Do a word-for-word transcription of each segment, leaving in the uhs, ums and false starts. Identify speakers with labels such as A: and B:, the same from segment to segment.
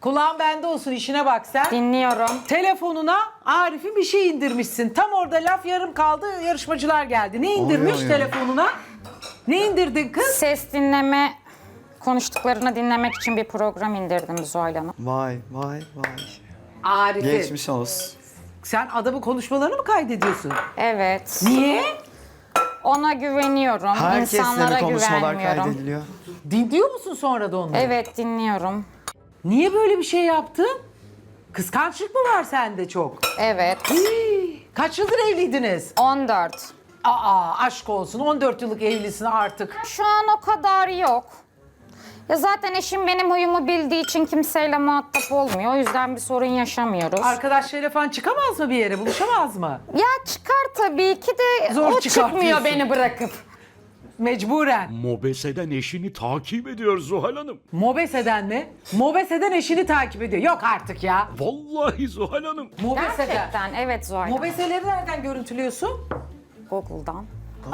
A: Kulağın bende olsun, işine bak sen.
B: Dinliyorum.
A: Telefonuna Arif'in bir şey indirmişsin. Tam orada laf yarım kaldı, yarışmacılar geldi. Ne indirmiş
C: Oy, oy, oy.
A: telefonuna? Ne indirdin kız?
B: Ses dinleme, konuştuklarını dinlemek için bir program indirdim Zuhal Hanım.
C: Vay vay vay.
A: Arif'i.
C: Geçmiş olsun.
A: Sen adamın konuşmalarını mı kaydediyorsun?
B: Evet.
A: Niye?
B: Ona güveniyorum.
C: Herkesle
B: İnsanlara
C: mi konuşmalar
B: güvenmiyorum.
C: kaydediliyor?
A: Dinliyor musun sonra da onları?
B: Evet, dinliyorum.
A: Niye böyle bir şey yaptın? Kıskançlık mı var sende çok?
B: Evet.
A: Hii, Kaç yıldır evliydiniz?
B: on dört.
A: Aa, aşk olsun, on dört yıllık evlisin artık.
B: Şu an o kadar yok. Ya zaten eşim benim huyumu bildiği için kimseyle muhatap olmuyor. O yüzden bir sorun yaşamıyoruz.
A: Arkadaşlarıyla falan çıkamaz mı bir yere, buluşamaz mı?
B: Ya çıkar tabii ki de
A: Zor
B: o
A: çıkar
B: çıkmıyor
A: diyorsun.
B: beni bırakıp.
A: Mecburen.
D: Mobese'den eşini takip ediyor Zuhal Hanım.
A: Mobese'den mi? Mobese'den eşini takip ediyor. Yok artık ya.
D: Vallahi Zuhal Hanım.
A: Mobese'den.
B: Gerçekten evet Zuhal Hanım.
A: Mobese'leri nereden görüntülüyorsun?
B: Google'dan.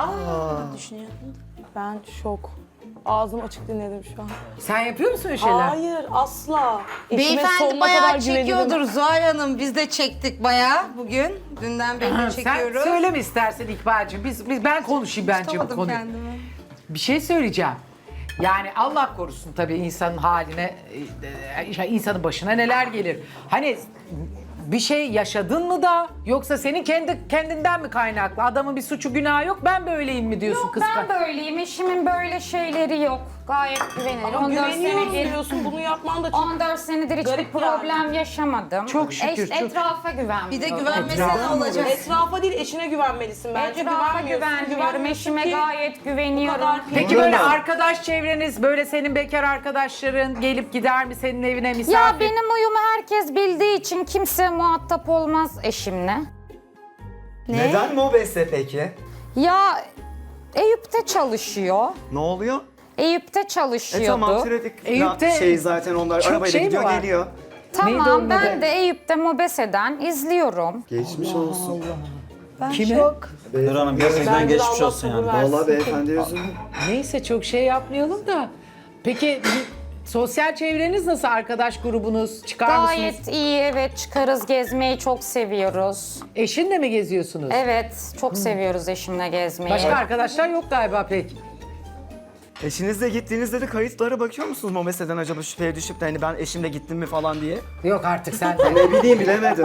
E: Ben şok. Ağzım açık dinledim şu an.
A: Sen yapıyor musun öyle şeyler?
E: Hayır asla. Eşime
F: Beyefendi
E: sonuna kadar
F: bayağı
E: güvenirim.
F: çekiyordur Zuhal Hanım. Biz de çektik bayağı bugün. Dünden beri
A: Sen
F: çekiyoruz.
A: söyle mi istersen İkbal'cığım? Biz, biz, ben konuşayım bence bu
F: Tutamadım
A: konuyu.
F: kendimi.
A: Bir şey söyleyeceğim. Yani Allah korusun tabii insanın haline, e, e, insanın başına neler gelir. Hani bir şey yaşadın mı da yoksa senin kendi kendinden mi kaynaklı? Adamın bir suçu günahı yok, ben böyleyim mi diyorsun
B: Yok
A: kıskan?
B: ben böyleyim. Eşimin böyle şeyleri yok. Gayet güvenilir.
E: Ama
B: on dört
E: güveniyorum
B: senedir,
E: diyorsun. Bunu yapman da çok...
B: on dört senedir hiçbir
E: Garip
B: problem
E: yani.
B: yaşamadım.
A: Çok şükür, çok-
B: Etrafa güvenmiyorum.
F: Bir de güvenmesen
A: Etrafa mı
F: olacak.
E: Etrafa değil eşine güvenmelisin bence.
B: Etrafa
E: Güvenmiyorsun.
B: güvenmiyorum.
E: Güvenmiyorsun
B: Eşime
E: ki
B: gayet
E: bu
B: güveniyorum.
E: kadar-
A: Peki
C: Burada
A: böyle
C: mı?
A: arkadaş çevreniz, böyle senin bekar arkadaşların gelip gider mi senin evine misafir?
B: Ya benim uyumu herkes bildiği için kimse muhatap olmaz eşimle.
C: Neden Mobese peki?
B: Ya Eyüp'te çalışıyor.
C: Ne oluyor?
B: Eyüp'te
C: E
B: çalışıyordu.
C: tamam trafik
A: Eyüp'te
C: şey zaten onlar
A: çok
C: arabayla
A: şey mi
C: gidiyor
A: var?
C: geliyor.
A: Neydi onun
B: Tamam ben
A: adı?
B: de Eyüp'te Mobese'den izliyorum.
C: Geçmiş olsun.
A: Kime?
G: Nur Hanım gerçekten
E: Bence de
G: geçmiş
E: Allah
G: olsun
E: sabır
G: yani.
E: versin.
C: Vallahi beyefendi üzüldüm.
A: Neyse çok şey yapmayalım da. Peki sosyal çevreniz nasıl, arkadaş grubunuz? Çıkar mısınız?
B: Gayet iyi, evet, çıkarız, gezmeyi çok seviyoruz.
A: Eşinle mi geziyorsunuz?
B: Evet, çok seviyoruz eşimle gezmeyi.
A: Başka arkadaşlar yok galiba pek.
C: Eşinizle gittiğinizde de kayıtlara bakıyor musunuz Mobese'den acaba şüpheye düşüp de hani ben eşimle gittim mi falan diye?
A: Yok artık sen.
C: Ne bileyim bilemedim.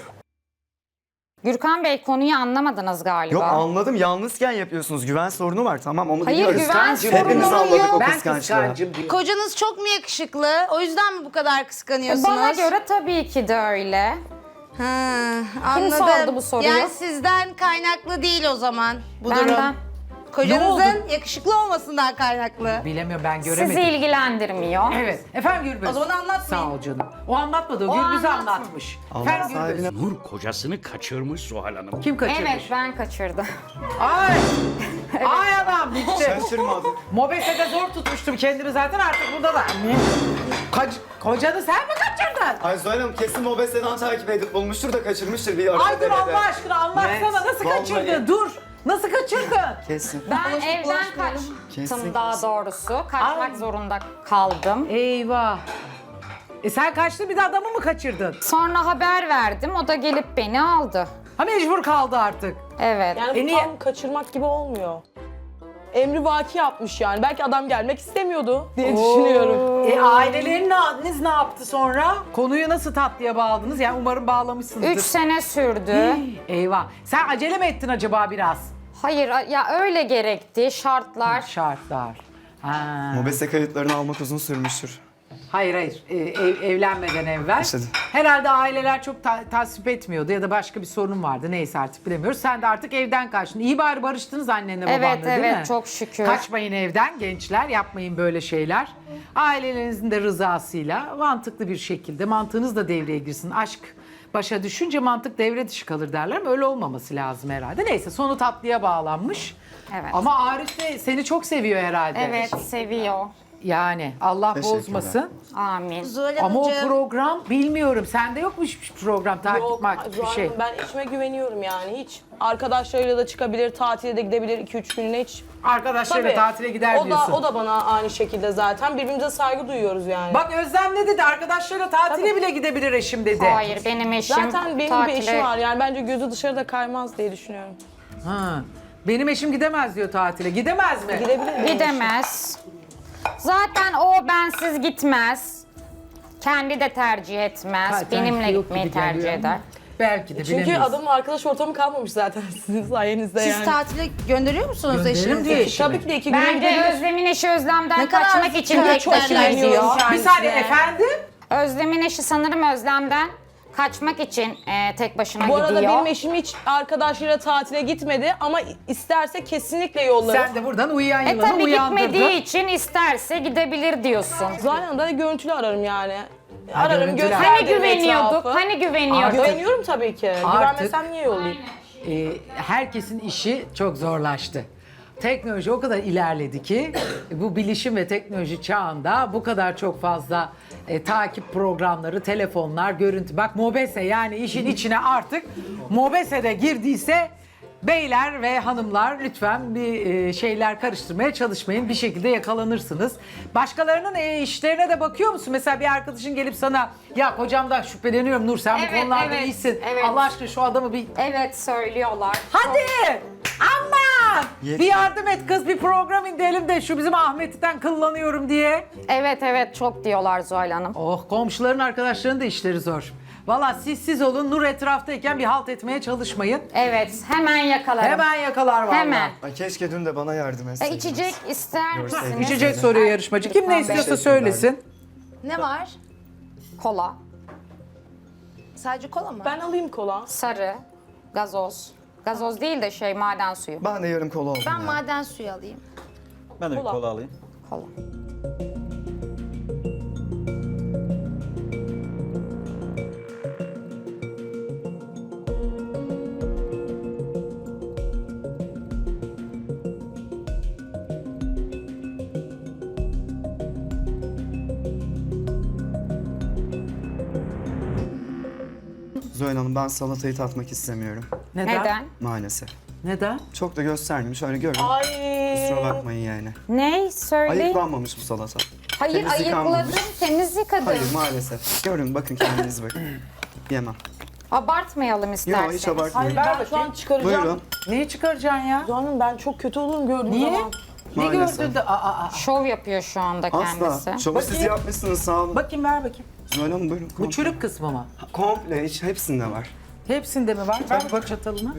B: Gürkan Bey konuyu anlamadınız galiba.
C: Yok anladım yalnızken yapıyorsunuz. Güven sorunu var tamam onu
B: Hayır,
C: biliyoruz.
B: güven
C: Hepimiz
B: sorunu
C: anladık
B: yok.
C: o
A: Ben
C: kıskançlığı.
A: kıskancım diyor.
F: Kocanız çok mu yakışıklı? O yüzden mi bu kadar kıskanıyorsunuz?
B: Bana göre tabii ki de öyle.
F: Ha,
B: Kim
F: anladım.
B: sordu bu soruyu?
F: Yani sizden kaynaklı değil o zaman bu
B: Benden.
F: durum.
A: Ne
F: Kocanızın yakışıklı olmasından kaynaklı.
A: Bilemiyorum, ben
B: Sizi
A: göremedim.
B: ilgilendirmiyor.
A: Evet. Efendim Gürbüz.
F: O zaman anlatmayın.
A: Sağ ol canım. O anlatmadı, o,
B: O
A: Gürbüz'ü
B: anlatma.
A: anlatmış.
C: Allah
A: Efendim Gürbüz.
C: sahibine-
D: Nur kocasını kaçırmış Zuhal Hanım.
A: Kim kaçırmış?
B: Evet, ben kaçırdım.
A: Ay! Ay adam bitti.
C: Şaşırmadım.
A: Mobese'de zor tutmuştum kendimi zaten, artık burada da. Kaç, kocanı sen mi kaçırdın?
C: Ay Zuhal Hanım kesin Mobese'den takip edip bulmuştur da kaçırmıştır bir arada.
A: Ay dur Allah aşkına anlatsana,
C: Evet,
A: nasıl
C: vallahi.
A: kaçırdın? Dur. Nasıl kaçırdın?
C: Kesin.
B: Ben evden
F: bulaşmayalım.
C: Kesin.
B: kaçtım daha doğrusu. Kaçmak
A: Ay.
B: zorunda kaldım.
A: Eyvah. E sen kaçtın, bir de adamı mı kaçırdın?
B: Sonra haber verdim, o da gelip beni aldı.
A: Ha mecbur kaldı artık.
B: Evet.
E: Yani bu
A: E niye-
E: tam kaçırmak gibi olmuyor. Emri vaki yapmış yani. Belki adam gelmek istemiyordu diye düşünüyorum.
A: E aileleriniz ne yaptı sonra? Konuyu nasıl tatlıya bağladınız? Yani umarım bağlamışsınızdır.
B: Üç sene sürdü.
A: Eyvah. Sen acele mi ettin acaba biraz?
B: Hayır ya öyle gerekti şartlar.
A: Şartlar. Ha.
C: Mobese kayıtlarını almak uzun sürmüştür.
A: Hayır hayır, Ee, ev- evlenmeden evvel.
C: İşte.
A: Herhalde aileler çok ta- tasvip etmiyordu ya da başka bir sorun vardı, neyse artık bilemiyoruz. Sen de artık evden kaçtın. İyi bari barıştınız annenle babanla
B: Evet,
A: değil
B: evet,
A: mi?
B: çok şükür.
A: Kaçmayın evden gençler, yapmayın böyle şeyler. Ailelerinizin de rızasıyla mantıklı bir şekilde, mantığınız da devreye girsin. Aşk başa düşünce mantık devre dışı kalır derler ama öyle olmaması lazım herhalde. Neyse, sonu tatlıya bağlanmış.
B: Evet.
A: Ama Arif de seni çok seviyor herhalde.
B: Evet seviyor.
A: Yani Allah
C: Teşekkürler.
A: bozmasın.
B: Amin.
F: Zuhal
A: Ama o
F: Hanımcığım.
A: program bilmiyorum. Sende yokmuş bir program takip
E: Yok,
A: makip bir
E: Zuhal
A: şey.
E: Hanım, ben eşime güveniyorum yani hiç. Arkadaşlarıyla da çıkabilir, tatile de gidebilir iki üç gününe hiç.
A: Arkadaşlarıyla
E: Tabii.
A: tatile gider
E: o
A: diyorsun.
E: Da, o da bana aynı şekilde zaten. Birbirimize saygı duyuyoruz yani.
A: Bak Özlem ne dedi? Arkadaşlarıyla tatile bile gidebilir eşim dedi.
B: Hayır benim eşim
E: Zaten benim
B: tatile...
E: bir eşim var yani bence gözü dışarıda kaymaz diye düşünüyorum.
A: Ha. Benim eşim gidemez diyor tatile. Gidemez mi?
E: Gidebilir mi?
B: Gidemez. Zaten o bensiz gitmez. Kendi de tercih etmez.
A: Ha,
B: Benimle
A: sanki yok
B: gitmeyi
A: gibi
B: tercih
A: geliyor ama
B: eder.
A: Belki de
E: Çünkü
A: bilemeyiz.
E: adamın arkadaş ortamı kalmamış zaten sizin sayenizde
F: Siz
E: yani.
F: tatile gönderiyor musunuz
A: Gönderirim
F: eşinizi?
A: diye eşimi.
E: Tabii ki de iki güne
B: Bence
E: gidebilir.
B: Özlem'in eşi Özlem'den
F: Ne kadar
B: kaçmak için
F: çok
B: tek
E: çok
B: başına
E: güveniyorum
B: gidiyor.
E: kendisine.
A: Bir saniye efendim.
B: Özlem'in eşi sanırım Özlem'den kaçmak için e, tek başına
E: Bu arada
B: gidiyor.
E: benim eşim hiç arkadaşlarıyla tatile gitmedi ama isterse kesinlikle yollarım.
A: Sen de buradan uyuyan
B: E
A: yılanı
B: tabii
A: uyandırdın.
B: gitmediği için isterse gidebilir diyorsun.
E: Zuhal Hanım'da da görüntülü ararım yani.
A: Ha,
E: Ararım,
A: görüntülü.
E: gösteririm
B: Hani güveniyorduk,
E: etrafı.
B: hani güveniyorduk.
E: Güveniyorum tabii ki.
A: Artık-
E: Güvenmesem niye yollayayım?
A: Ee, herkesin işi çok zorlaştı. Teknoloji o kadar ilerledi ki bu bilişim ve teknoloji çağında bu kadar çok fazla e, takip programları, telefonlar, görüntü. Bak Mobese yani işin içine artık Mobese de girdiyse beyler ve hanımlar lütfen bir e, şeyler karıştırmaya çalışmayın. Bir şekilde yakalanırsınız. Başkalarının e, işlerine de bakıyor musun? Mesela bir arkadaşın gelip sana ya kocamdan şüpheleniyorum Nur sen bu
B: Evet,
A: konularda
B: evet,
A: iyisin.
B: evet.
A: Allah aşkına şu adamı bir
B: Evet söylüyorlar.
A: hadi aman
C: Yet-
A: bir yardım et kız bir program indirelim de şu bizim Ahmet'ten kıllanıyorum diye.
B: Evet evet çok diyorlar Zuhal Hanım.
A: Oh komşuların arkadaşlarının da işleri zor. Valla siz siz olun Nur etraftayken bir halt etmeye çalışmayın.
B: Evet hemen yakalarım.
A: Hemen yakalar valla.
B: Hemen.
C: Ay keşke dün de bana yardım
B: E,
C: etseydiniz.
B: içecek ister misiniz?
A: İçecek soruyor yarışmacı. Kim ne
B: Lütfen
A: istiyorsa
C: Teşekkürler.
A: söylesin.
F: Ne var?
B: Kola,
F: Sadece kola mı?
E: Ben alayım kola.
B: sarı, gazoz. Gazoz değil de şey maden suyu.
C: Ben de yarım kola oldum
F: Ben
C: ya.
F: maden suyu alayım.
G: Ben de bir
E: Kola.
G: kola alayım.
B: Kola.
C: Zuhal Hanım ben salatayı tatmak istemiyorum.
A: Neden?
B: Neden?
C: Maalesef.
A: Neden?
C: Çok da göstermeyeyim. Şöyle görün.
E: Ay.
C: Kusura bakmayın yani.
B: Ne? Söyle.
C: Ayıklanmamış bu salata.
B: Hayır
C: temiz
B: ayıkladım,
C: yıkanmamış.
B: temiz yıkadım.
C: Hayır maalesef. Görün bakın kendiniz bakın. Yemem.
B: Abartmayalım isterseniz.
C: Yok hiç abartmayın.
E: Hayır ben şu an çıkaracağım.
C: Buyurun.
A: Neyi çıkaracaksın ya?
E: Zuhal Hanım ben çok kötü olurum gördüğüm
A: Niye?
E: zaman.
A: Ne
C: Maalesef.
A: gördün de? Aa, aa, aa.
B: Şov yapıyor şu anda kendisi.
C: Asla. Şovu siz
A: Bakayım.
C: yapmışsınız sağ olun.
A: Bakayım ver bakayım.
C: Zuhal Hanım buyurun.
A: Bu
C: komple.
A: çürük kısmı mı?
C: Komple hiç hepsinde var.
A: Hepsinde mi var? Ver bak çatalını.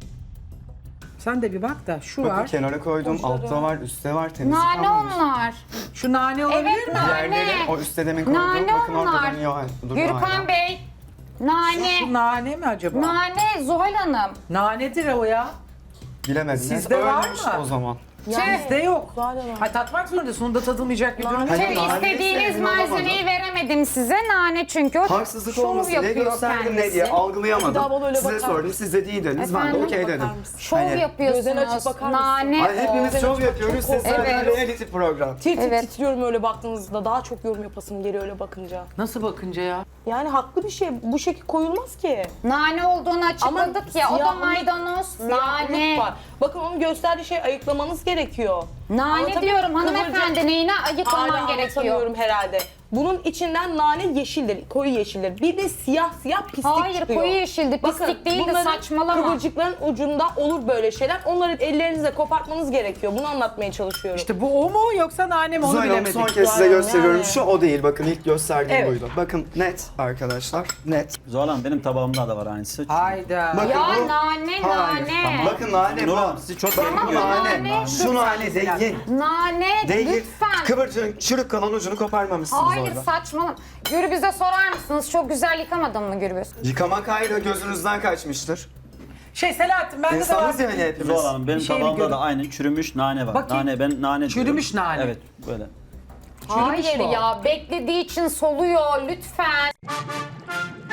A: Sen de bir bak da şu
C: Bakın
A: var.
C: kenara koydum. Altta var, üstte var. Temiz
B: Nane
C: yıkanmamış.
B: onlar.
A: Şu nane olabilir
B: Evet
A: mi?
B: nane.
C: Yerleri o üstte demin koydum.
B: Nane
C: Bakın orada
B: onlar.
C: dönüyor. Dur, hala.
B: Gürkan Bey. Nane.
A: Şu nane mi acaba?
B: Nane Zuhal Hanım.
A: Nanedir o ya.
C: Bilemediniz.
A: Sizde var
C: Ölmüş
A: mı?
C: o zaman.
B: Tüh.
A: Bizde yok.
E: Zuhal Hanım.
A: Ha tatmak zorundasın. Sonunda tadılmayacak bir durum. yok.
C: Hayır,
B: Tüh,
C: nane
B: istediğiniz
C: sevdim,
B: malzemeyi veremedim size. Nane çünkü o
C: Haksızlık
B: şov
C: olmasın diye
B: yapıyor
C: gösterdim ne
B: kendisi.
C: diye algılayamadım.
E: Bir daha bana öyle
C: Size
E: bakar
C: sordum,
E: mısın?
C: siz de değildiniz. Ben de
B: Efendim?
C: okey
E: Bakar
C: dedim.
E: mısın?
B: Şov
C: Hani-
B: yapıyorsunuz.
E: Gözlerini açıp bakar mısın?
B: Nane
C: Ay, hepimiz
B: o.
C: şov yapıyoruz, siz zaten
B: Evet.
C: reality program.
E: Tir tir
B: Evet.
E: titriyorum öyle baktığınızda. Daha çok yorum yapasım geliyor öyle bakınca.
A: Nasıl bakınca ya?
E: Yani haklı bir şey. Bu şekil koyulmaz ki.
B: Nane olduğunu açıkladık ya. O da
E: siyahlık-
B: maydanoz.
E: Siyahlık
B: Nane.
E: var. Bakın onun gösterdiği şey ayıklamanız gerekiyor.
B: Nane
E: Anlatabiliyor
B: diyorum
E: muyum?
B: hanımefendi.
E: Kıvırcık-
B: Neyine
E: Hala
B: ayıklaman gerekiyor?
E: anlatamıyorum herhalde. Bunun içinden nane yeşildir, koyu yeşildir. Bir de siyah siyah pislik
B: Hayır,
E: çıkıyor.
B: koyu yeşildi, pislik değildi,
E: bunların
B: saçmalama.
E: kıvırcıkların ucunda olur böyle şeyler. Onları ellerinizle kopartmanız gerekiyor. Bunu anlatmaya çalışıyorum.
A: İşte bu o mu yoksa nane mi onu
C: Zuhal Hanım
A: bilemedik.
C: son kez size
E: Zuhal Hanım,
C: gösteriyorum.
E: yani.
C: Şu o değil, bakın ilk gösterdiğim
A: Evet.
C: buydu. Bakın net arkadaşlar, net.
G: Zuhal Hanım benim tabağımda da var aynısı.
A: Hayda.
C: Bakın
B: Ya
C: bu-
B: nane
C: Hayır.
B: nane.
C: Bakın nane
G: Nur
C: bu.
G: Hanım sizi çok
C: Bakın
G: sevdim.
C: nane.
B: nane.
C: Şu nane değil.
B: Nane
C: Değil.
B: lütfen.
C: Kıvırcığın çürük kalan ucunu koparmamışsınız
B: Hayır
C: orada.
B: saçmalama. Gürbüz'e sorar mısınız? Çok güzel yıkamadın mı Gürbüz?
C: Yıkamak ayrı gözünüzden kaçmıştır.
A: Şey Selahattin bende de var.
C: İnsanız yani hepimiz.
G: Zuhal Hanım benim
A: Bir şey mi
G: tabağımda
A: görün-
G: da aynı çürümüş nane var.
A: Bakayım.
G: Nane ben nane
A: Çürümüş
G: diyorum.
A: nane.
G: Evet böyle.
B: Hayır
A: mu o?
B: ya beklediği için soluyor lütfen.